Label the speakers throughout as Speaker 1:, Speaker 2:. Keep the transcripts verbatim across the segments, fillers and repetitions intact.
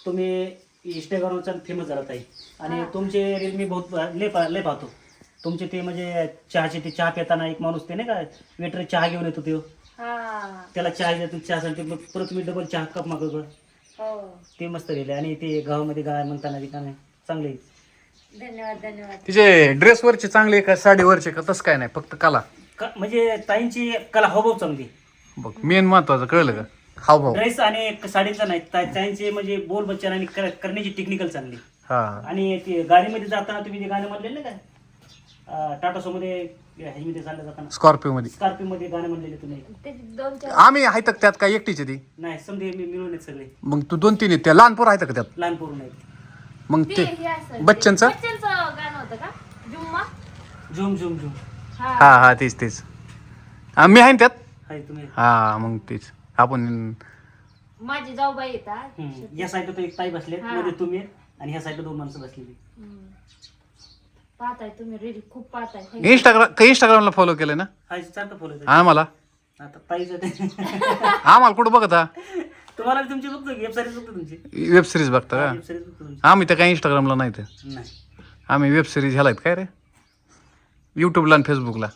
Speaker 1: तुम्ही इंस्टाग्रामचा फेमस झाला ताई आणि तुमचे रील मी बहुत लय पा- लय पाहतो तुमचे ते म्हणजे चहाचे ते चहा पिताना एक माणूस ते नाही का वेटर चहा घेऊन येतो तो
Speaker 2: हा
Speaker 1: त्याला चहा देतो चहासाठी मग परत तुम्ही डबल चहा कप मागवतो
Speaker 2: हो
Speaker 1: ते मस्त रील आहे आणि ते गावामध्ये गाय म्हणताना रिकामे चांगले आहे.
Speaker 2: धन्यवाद धन्यवाद
Speaker 3: तिचे ड्रेसवरचे चांगले का साडीवरचे का तसं काय नाही फक्त कला
Speaker 1: क- म्हणजे ताईंची कला हावभाव चांगली
Speaker 3: बघ मेन महत्वाचं कळलं का हावभाव
Speaker 1: ड्रेस आणि साडीचा नाही ता- ताईंचे म्हणजे बोल बच्चन आणि कर- करण्याची टेक्निकल चांगली
Speaker 3: हा
Speaker 1: आणि ते गाडीमध्ये जाताना तुम्ही ते गाणं म्हणलेलं ना काय टाटा सोमध्ये ह्याच्यामध्ये चाललं जाताना
Speaker 3: स्कॉर्पिओ मध्ये
Speaker 1: स्कॉर्पिओ मध्ये गाणं म्हणलेले तुम्ही
Speaker 2: ते दोन चार
Speaker 3: आम्ही आहेत का त्यात काय एकटीचे ती
Speaker 1: नाही समजे मी मिळून आहेत सगळे
Speaker 3: मग तू दोन तीन आहेत त्या लहान पोरं आहेत का त्यात
Speaker 1: लहान पोरून आहेत
Speaker 3: मग
Speaker 2: ते
Speaker 3: ते
Speaker 2: हे असं
Speaker 3: बच्चनचं
Speaker 2: बच्चनचं गाणं होतं का जुम्मा
Speaker 1: झुम झुम झुम
Speaker 2: हा
Speaker 3: हा हा तेच तेच हा, मी आहे ना त्यात
Speaker 1: हाय तुम्ही
Speaker 3: हा मग तेच आपण
Speaker 2: माझी जाऊबाई येतात
Speaker 1: हम्म. या साईडला तो एक ताई बसले
Speaker 2: हा.
Speaker 1: मध्ये तुम्ही आहेत, आणि ह्या साईडला दोन माणसं बसलेली
Speaker 2: हम्म. पाहताय तुम्ही रील खूप पाहताय
Speaker 3: इंस्टाग्राम का इंस्टाग्रामला फॉलो केलं ना
Speaker 1: हाय सारखं फॉलो
Speaker 3: आम्हाला
Speaker 1: आता ताईचं ते
Speaker 3: आम्हाला कुठं बघता
Speaker 1: तुम्हाला बी तुमची बघतो वेब सिरीज बघतो तुमची
Speaker 3: वेब सिरीज बघता का
Speaker 1: वेब सिरीज बघतो तुमची
Speaker 3: आम्ही तर काही इंस्टाग्रामला नाही तर
Speaker 1: नाही
Speaker 3: आम्ही वेब सिरीज ह्याला आहेत काय रे यूट्यूबला आणि फेसबुकला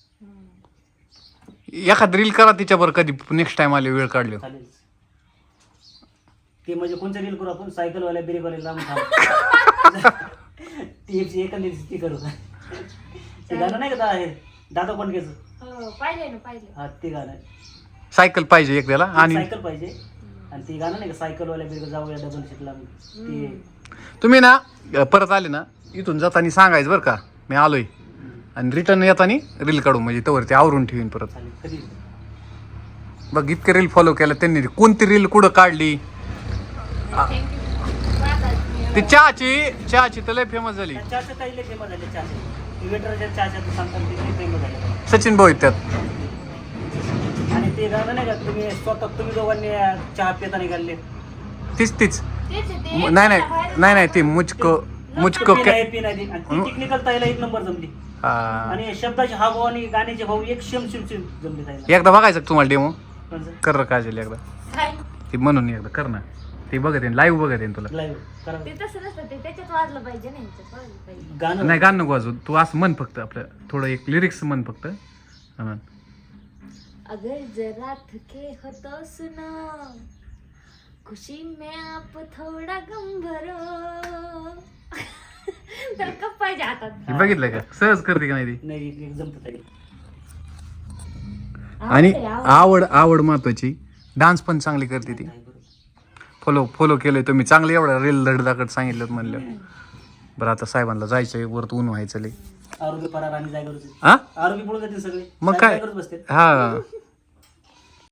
Speaker 3: एखाद रील करा तिच्यावर कधी नेक्स्ट टाइम आले वेळ काढले
Speaker 1: चालेल ते म्हणजे कोणतं रील करू आपण सायकलवाल्या ब्रेकवाल्या लांब थांब ती एकंदरीत ती करू ते गाणं नाही का आहे दादा कोंडकेचं
Speaker 2: हो पाहिले ना पाहिले
Speaker 1: हा ते गाणं आहे.
Speaker 3: सायकल पाहिजे एक त्याला आणि
Speaker 1: सायकल पाहिजे आणि ते गाणं नाही का सायकलवाल्या ब्रेक जाऊया डबल सीटला ते
Speaker 3: तुम्ही ना अ, परत आले ना इथून जाताना सांगायचं बरं का मी आलोय आणि रिटर्न येताना रील काढू म्हणजे तवर ते आवरून ठेवीन परत
Speaker 1: चालेल कधी
Speaker 3: बघ इतके रील फॉलो केलं त्यांनी कोणती रील कुठं काढली
Speaker 2: थँक्यू पाहतात
Speaker 3: ती चहाची चहाची तर लय फेमस झाली
Speaker 1: चहाच्या काही लय फेमस झाले चहाचे वेटरच्या चहाच्या सांगतात ते लय फेमस झाले
Speaker 3: सचिन भाऊ आहेत त्यात
Speaker 1: आणि ते गाणं नाही का तुम्ही स्वतः तुम्ही दोघांनी चहा पिताना घालले
Speaker 3: तीच तीच
Speaker 2: तेच आहे ते.
Speaker 3: नाही नाही नाही नाही ती मुचको मुचको
Speaker 1: पी
Speaker 3: के
Speaker 1: नाही पी नाही आणि ती टेक्निकल ताईला एक नंबर जमली
Speaker 3: हा.
Speaker 1: आणि शब्दाचे हा भाऊ आणि गाण्याचे भाऊ एक शेम शेम शेम जमले ताईला
Speaker 3: एकदा बघायचं का तुम्हाला डेमो
Speaker 1: कोणचं?
Speaker 3: कर र काजल एकदा
Speaker 2: काय?
Speaker 3: ती म्हणून एकदा कर ना ते बघत येईन लाईव्ह बघत येईन तुला
Speaker 1: लाईव्ह करा
Speaker 2: ते तसं नसतं ते त्याच्यात वाजलं पाहिजे ना ह्याच्यात वाजलं पाहिजे
Speaker 1: गाणं
Speaker 3: नाही गाणं नको वाजू तू असं म्हण फक्त आपलं थोडं एक लिरिक्स म्हण फक्त हा म्हण.
Speaker 2: अगर जरा थके हो तो सुनो खुशी में आप थोडा गम भरो तर कप पाहिजे हातात
Speaker 3: हे बघितलं का सहज करते का नाही ती
Speaker 1: नाही एक जमत ताई
Speaker 3: आणि
Speaker 2: आवड आहे,
Speaker 3: आवड आवड महत्वाची डान्स पण चांगली करते ती
Speaker 1: नाही, बरोबर.
Speaker 3: फॉलो फॉलो केलंय तुम्ही चांगलं एवढं रील धडधाकट सांगितलं म्हणलं बरं आता साहेबांना जायचं वरत ऊन व्हायचं लय
Speaker 1: आरोग्य परार आणि जागेवरच
Speaker 3: हा
Speaker 1: आरोग्य पळून जाते सगळे
Speaker 3: मग काय
Speaker 1: जागेवरच बसते
Speaker 3: हा